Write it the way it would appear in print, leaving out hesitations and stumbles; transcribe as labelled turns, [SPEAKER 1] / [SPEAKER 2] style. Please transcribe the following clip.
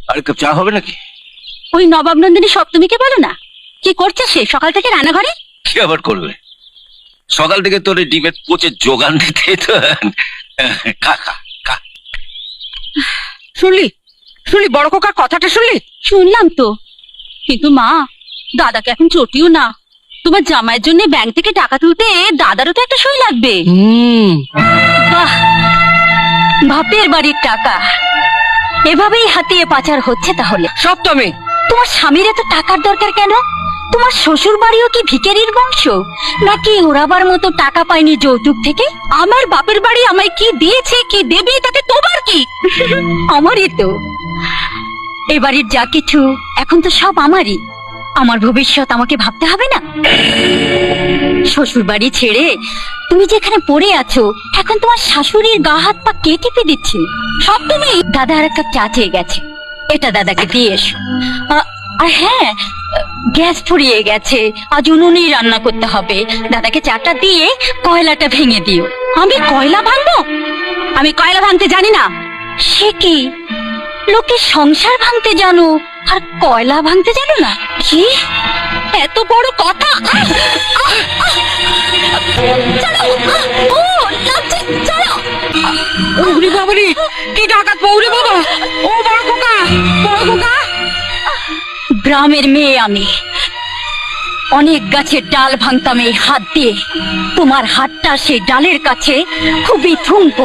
[SPEAKER 1] আর cup চা হবে নাকি?
[SPEAKER 2] ওই নবাব নন্দিনী সপ্তমীকে বলো না, কি করছে সে সকাল থেকে রান্নাঘরে?
[SPEAKER 1] কি আবার করবে? সকাল থেকে তোর এই ডিমের কোচের যোগান দিতে তো। খা খা খা।
[SPEAKER 3] শুনলি শুনলি বড় খোকার কথাটা শুনলি?
[SPEAKER 2] শুনলাম তো, কিন্তু মা, দাদাকে এখন চটিও না। তোমার জামাইয়ের জন্য ব্যাংক থেকে টাকা তুলতে দাদারও তো একটা সই লাগবে। বাহ, বাপের বাড়ির টাকা এভাবেই হাতিয়ে পাচার হচ্ছে তাহলে।
[SPEAKER 3] সপ্তমী,
[SPEAKER 2] তোমার স্বামীর এত টাকার দরকার কেন? তোমার শ্বশুর বাড়িও কি ভিখারির বংশ, নাকি ওরাবার মতো টাকা পায়নি যৌতুক থেকে? আমার বাপের বাড়ি আমায় কি দিয়েছে কি দেবে তাতে তোমার কি? আমারই তো। এ বাড়ির যা কিছু এখন তো সব আমারই। আমার ভবিষ্যৎ আমাকে ভাবতে হবে না? শ্বশুর বাড়ি ছেড়ে তুমি যেখানে পড়ে আছো, এখন তোমার শাশুড়ির গা হাত পা কে টিপে দিচ্ছে? সব তুমি। দাদা আর এক কাপ চা চেয়ে গেছে, এটা দাদাকে দিয়ে এসো। আর হ্যাঁ, গ্যাস ফুরিয়ে গেছে, আজ উনুনেই রান্না করতে হবে। দাদাকে চাটা দিয়ে কয়লাটা ভেঙে দিও। আমি কয়লা ভাঙবো? আমি কয়লা ভাঙতে জানি না। সে কি, লোকে সংসার ভাঙতে জানো আর কয়লা ভাঙতে জানো না? কি এত বড় কথা!
[SPEAKER 3] ওরে বাবারে, কি ডাকাত পৌরে বাবা! ও বড় খোকা, বড় খোকা!
[SPEAKER 2] গ্রামের মেয়ে আমি, অনেক গাছের ডাল ভাঙতাম এই হাত দিয়ে। তোমার হাতটা সেই ডালের কাছে খুবই থুমকো।